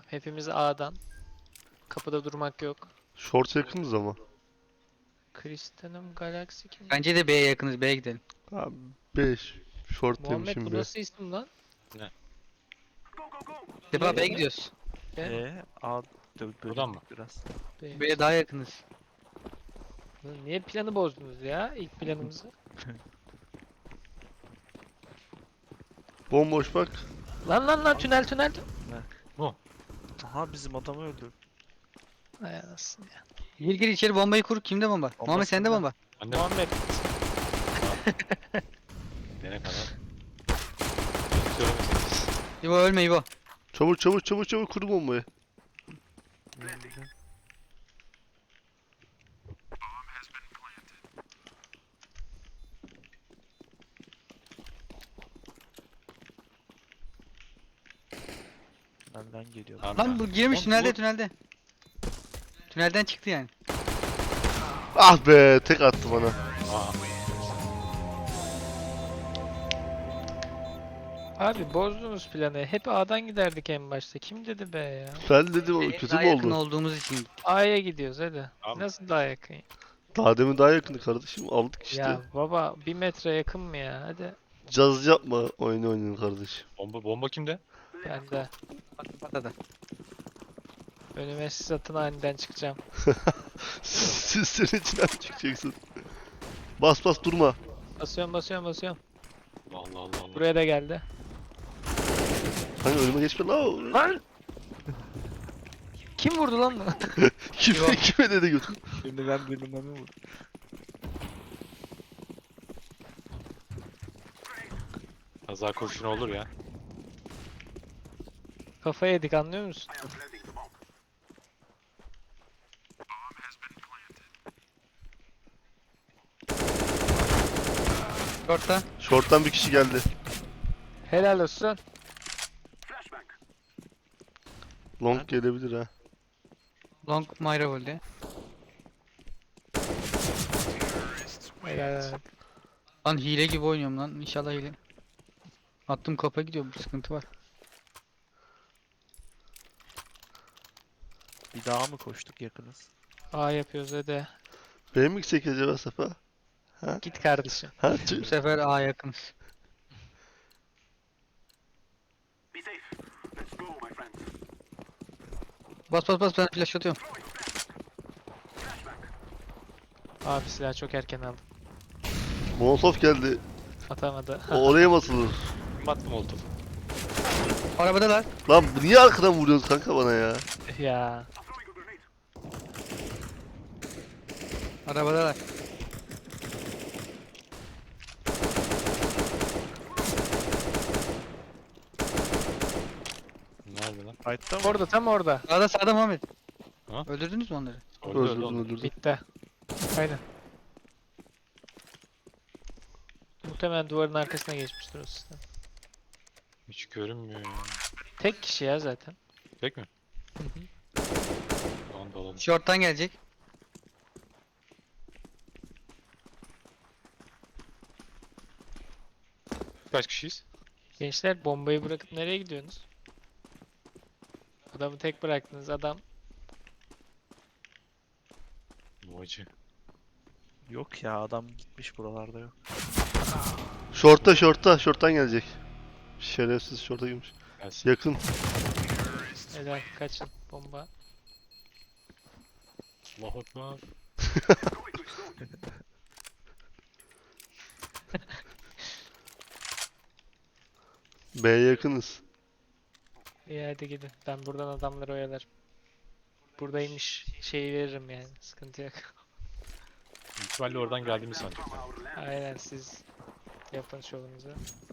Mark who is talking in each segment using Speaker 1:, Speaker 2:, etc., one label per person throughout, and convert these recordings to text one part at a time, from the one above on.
Speaker 1: Hepimiz A'dan. Kapıda durmak yok.
Speaker 2: Short yakınız ama.
Speaker 1: Kristanım Galaxy kim?
Speaker 3: Bence de B'ye yakınız. B'ye gidelim.
Speaker 2: Abi 5. Short
Speaker 1: Muhammed
Speaker 2: demişim
Speaker 1: bu
Speaker 2: be.
Speaker 1: nasıl isim lan?
Speaker 3: Defa B'ye
Speaker 1: mi?
Speaker 3: gidiyoruz.
Speaker 4: A
Speaker 5: Buradan mı?
Speaker 4: biraz.
Speaker 3: B'ye daha yakınız.
Speaker 1: Lan niye planı bozdunuz ya? İlk planımızı.
Speaker 2: Bomboş bak.
Speaker 1: Lan tünel.
Speaker 4: Aha bizim adamı öldü.
Speaker 1: Ay anasını ya.
Speaker 3: Gir içeri bombayı kur. Kimde bomba? Muhammed sende
Speaker 4: sende.
Speaker 3: bomba.
Speaker 5: Anne
Speaker 1: Muhammed.
Speaker 5: dene kadar. Söylemeseniz.
Speaker 3: İbo ölme İbo.
Speaker 2: Çabuk kur bombayı.
Speaker 4: Benden geliyor.
Speaker 5: Tamam
Speaker 3: Lan
Speaker 5: ya.
Speaker 3: bu girmiş
Speaker 5: Oğlum,
Speaker 3: tünelde
Speaker 5: bu-
Speaker 3: tünelde. Tünelden çıktı yani.
Speaker 2: Ah be, tek attı bana.
Speaker 5: Aa,
Speaker 1: Abi bozdunuz planı. Hep A'dan giderdik en başta. Kim dedi be ya?
Speaker 2: Ben dedim o
Speaker 3: B'ye
Speaker 2: kötü
Speaker 3: daha
Speaker 2: mü
Speaker 3: yakın
Speaker 2: oldu?
Speaker 3: olduğumuz için.
Speaker 1: A'ya gidiyoruz hadi.
Speaker 5: Tamam.
Speaker 1: Nasıl daha yakın?
Speaker 2: Daha demin daha yakındı kardeşim. Aldık işte.
Speaker 1: Ya baba 1 metre yakın mı ya? Hadi.
Speaker 2: Caz yapma. Oynayın kardeşim.
Speaker 5: bomba kimde?
Speaker 1: Ben de
Speaker 3: Patladı.
Speaker 1: önüme siz atın aniden çıkacağım.
Speaker 2: Siz senin içinden çıkacaksın. Bas durma.
Speaker 1: Basıyorum.
Speaker 5: Allah.
Speaker 1: Buraya da geldi.
Speaker 2: Hani önüme geçme la.
Speaker 1: Lan! Kim vurdu lan bunu?
Speaker 2: Kime dedi götür.
Speaker 4: Şimdi ben bölümümü vurdum.
Speaker 5: Kaza kurşunu olur ya.
Speaker 1: Kafa yedik anlıyor musun?
Speaker 3: Short'ta.
Speaker 2: Short'tan bir kişi geldi.
Speaker 1: Helal olsun.
Speaker 2: Long gelebilir ha.
Speaker 3: Long Myra öldü.
Speaker 1: Helal.
Speaker 3: Lan hile gibi oynuyorum lan. İnşallah hile. Attım kapa gidiyor. Bu sıkıntı var.
Speaker 4: Bir daha mı koştuk yakınız?
Speaker 1: A yapıyoruz hadi.
Speaker 2: Benim mi gitsek acaba Safa?
Speaker 1: Git kardeşim.
Speaker 2: Ha?
Speaker 3: Bu sefer A yakınız. Bas ben flash atıyorum.
Speaker 1: Abi silah çok erken aldım.
Speaker 2: Molotov geldi.
Speaker 1: Atamadı.
Speaker 2: O oraya mı atılır?
Speaker 5: Kim attı molotof?
Speaker 3: Arabadalar.
Speaker 2: Lan niye arkadan vuruyorsun kanka bana ya?
Speaker 1: Ya.
Speaker 3: Arabadalar.
Speaker 5: Nerede lan?
Speaker 4: Fight'ta mı?
Speaker 1: Orada tam orada.
Speaker 3: Sağda Muhammed.
Speaker 5: Ha?
Speaker 3: Öldürdünüz mü onları?
Speaker 2: Öldürdüm.
Speaker 1: Bitti. Aynen. Muhtemelen duvarın arkasına geçmiştir o sistem.
Speaker 5: Hiç görünmüyor ya.
Speaker 1: Tek kişi ya zaten.
Speaker 5: Tek mi?
Speaker 1: Hı hı.
Speaker 5: Tamam da alalım.
Speaker 3: Short'tan gelecek.
Speaker 5: Kaç kişiyiz?
Speaker 1: Gençler bombayı bırakıp nereye gidiyorsunuz? Adamı tek bıraktınız. Adam
Speaker 5: Bu acı.
Speaker 4: Yok ya adam gitmiş buralarda yok.
Speaker 2: Short'tan gelecek. Şerefsiz short'a girmiş.
Speaker 5: Gelsin.
Speaker 2: Yakın.
Speaker 1: helal kaçın bomba.
Speaker 5: Allahu Ekber.
Speaker 2: B'ye yakınız.
Speaker 1: İyi hadi gidin. Ben buradan adamları oyalarım. Buradaymış şeyi veririm yani. Sıkıntı yok.
Speaker 5: Büyük ihtimalle oradan geldiğimi sanacaklar.
Speaker 1: Aynen siz yapın şovunuzu.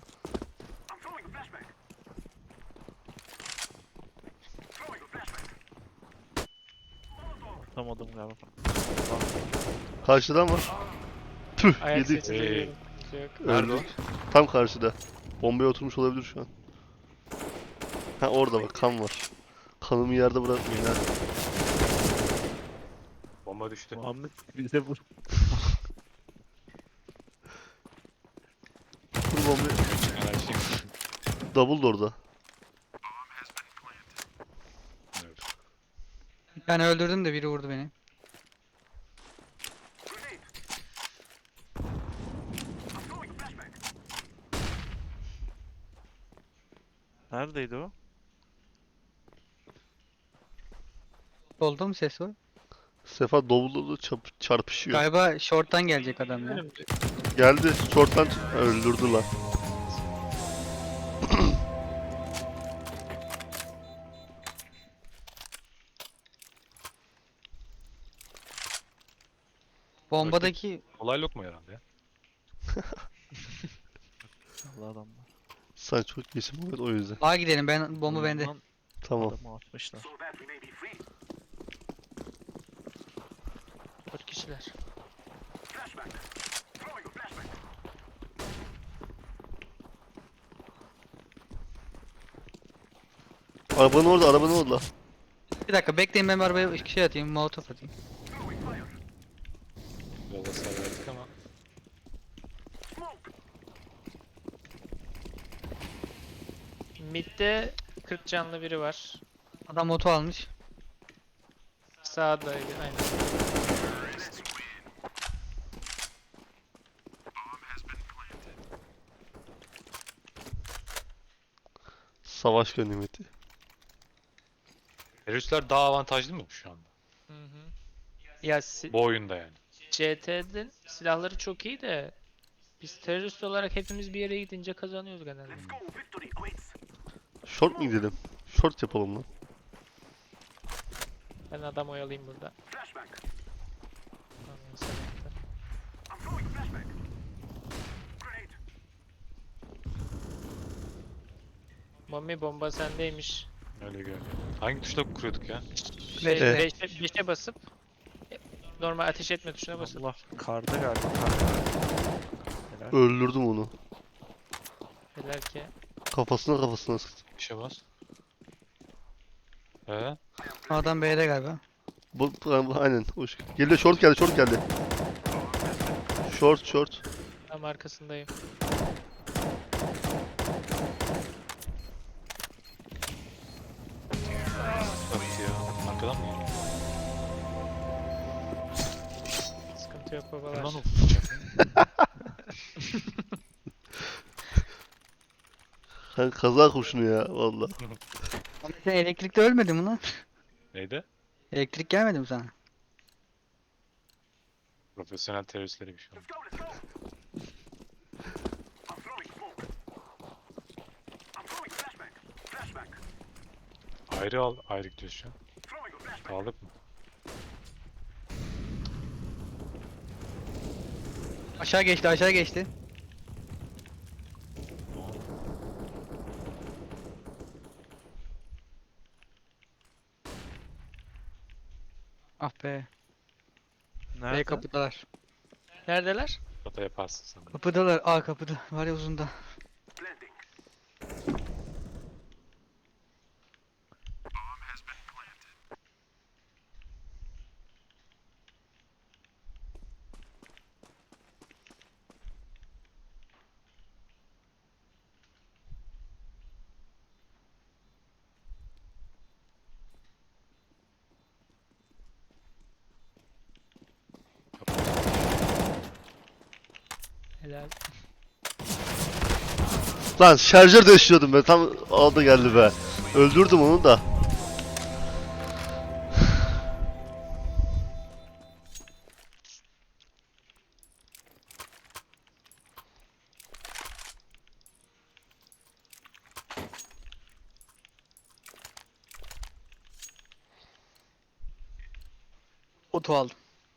Speaker 4: Atamadım galiba.
Speaker 2: Karşıdan var. Tüh
Speaker 1: Ayak
Speaker 2: yedik.
Speaker 1: sesi duyuyorum. Sıkıntı yok.
Speaker 5: Nerede o?
Speaker 2: Öldük. Tam karşıda. Bombaya oturmuş olabilir şu an. Ha orada bak kan var. Kanımı yerde bırakmayın ha.
Speaker 5: Bomba düştü.
Speaker 4: Muhammed bize vur.
Speaker 2: Vur bombayı.
Speaker 5: Enerjim.
Speaker 2: Double da orada.
Speaker 3: Bir tane öldürdüm de biri vurdu beni.
Speaker 4: Neredeydi o?
Speaker 3: Solda mı ses var?
Speaker 2: Sefa dolu çarpışıyor.
Speaker 3: Galiba short'tan gelecek adam ya.
Speaker 1: Önümde.
Speaker 2: Geldi. Short'tan öldürdü lan.
Speaker 3: Bombadaki
Speaker 5: Olay lokma herhalde ya.
Speaker 4: Allah adamlar.
Speaker 2: Sen çok iyisin Muhammed, o yüzden.
Speaker 3: A gidelim, ben bomba bende.
Speaker 4: Oyundan
Speaker 2: Tamam.
Speaker 4: Adamı atmışlar.
Speaker 1: 4 kişiler.
Speaker 2: Arabanın orada, arabanın orada.
Speaker 3: Bir dakika bekleyin, ben bir arabaya şey atayım, molotof atayım.
Speaker 5: Yola sarıldık ama.
Speaker 1: Mid'de 40 canlı biri var.
Speaker 3: Adam oto almış.
Speaker 1: Sağdaydı aynen.
Speaker 2: Savaş ganimeti.
Speaker 5: Teröristler daha avantajlı mı şu anda?
Speaker 1: Hı hı. Ya
Speaker 5: Bu oyunda yani.
Speaker 1: CT'nin silahları çok iyi de biz terörist olarak hepimiz bir yere gidince kazanıyoruz genelde.
Speaker 2: Short mu gidelim? Short yapalım lan.
Speaker 1: Ben adam oyalayayım burada. Aman sanatlar. Mami bomba sendeymiş.
Speaker 5: Öyle görünüyor. Hangi tuşla kuruyorduk ya?
Speaker 3: Beşte.
Speaker 1: 5'e basıp normal ateş etme tuşuna basıp
Speaker 4: Allah karda galiba. Karda. Helal.
Speaker 2: Öldürdüm onu.
Speaker 1: Neler ki.
Speaker 2: Kafasına sıktım.
Speaker 5: Bir şey bas. He?
Speaker 3: Adam B'de galiba.
Speaker 2: Aynen. Geliyor, short geldi, short geldi. Short.
Speaker 1: Tam arkasındayım.
Speaker 5: Tabii ya. Arkadan mı geliyor?
Speaker 1: Sıkıntı yok babalar.
Speaker 5: Bundan okuyacak.
Speaker 2: Sen kaza kurşunu ya valla.
Speaker 3: Ama sen elektrikte ölmedin mi lan?
Speaker 5: Neydi?
Speaker 3: Elektrik gelmedi mi sana?
Speaker 5: Profesyonel teröristleri bir şey oldu. Ayrı al, ayrı gidiyoruz şu an. Sağlık mı?
Speaker 3: Aşağı geçti, aşağı geçti. Ah be. B
Speaker 4: Nerede?
Speaker 3: kapıdalar.
Speaker 1: Neredeler?
Speaker 5: Hata yaparsın sen. de.
Speaker 3: Kapıdalar, A kapıda. Var ya uzunda.
Speaker 1: Helal.
Speaker 2: Lan şarjör değiştiriyordum ben, tam aldı geldi be. Öldürdüm onu da.
Speaker 3: Oto aldım.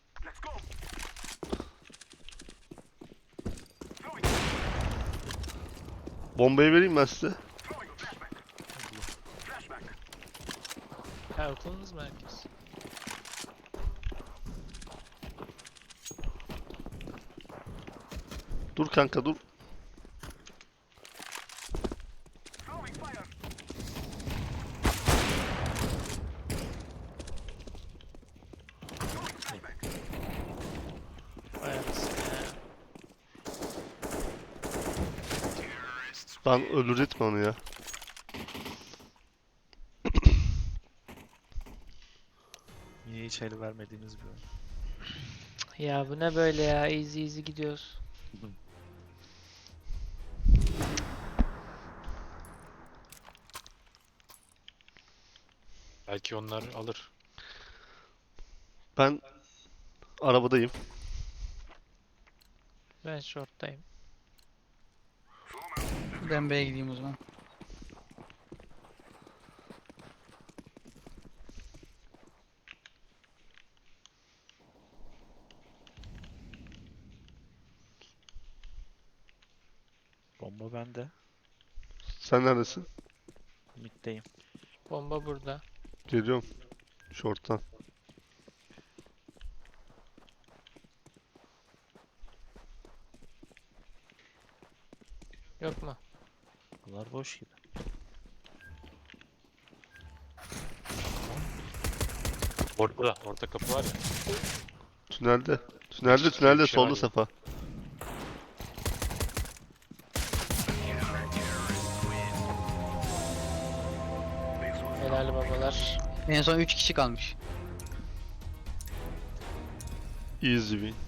Speaker 2: Bombayı vereyim ben size.
Speaker 1: Kalktınız mı herkes?
Speaker 2: Dur kanka dur.
Speaker 1: Vay anasını ya.
Speaker 2: Lan öldürecektim onu ya.
Speaker 4: hiç el vermediğimiz bir oyun.
Speaker 1: Ya bu ne böyle ya? Easy easy gidiyoruz.
Speaker 5: Belki onlar alır.
Speaker 2: Ben arabadayım.
Speaker 1: Ben short'tayım.
Speaker 3: Ben B'ye gideyim o zaman.
Speaker 4: Bomba bende.
Speaker 2: Sen neredesin?
Speaker 4: Mid'deyim.
Speaker 1: Bomba burada.
Speaker 2: Geliyorum. Short'tan.
Speaker 1: Yok mu?
Speaker 4: Bunlar boş gibi.
Speaker 5: Ortada. Orta kapı var ya.
Speaker 2: Tünelde. Tünelde,
Speaker 5: şey
Speaker 2: tünelde.
Speaker 5: var
Speaker 2: Solda
Speaker 5: ya.
Speaker 2: Sefa.
Speaker 1: Helal babalar.
Speaker 3: En son 3 kişi kalmış.
Speaker 2: Easy win.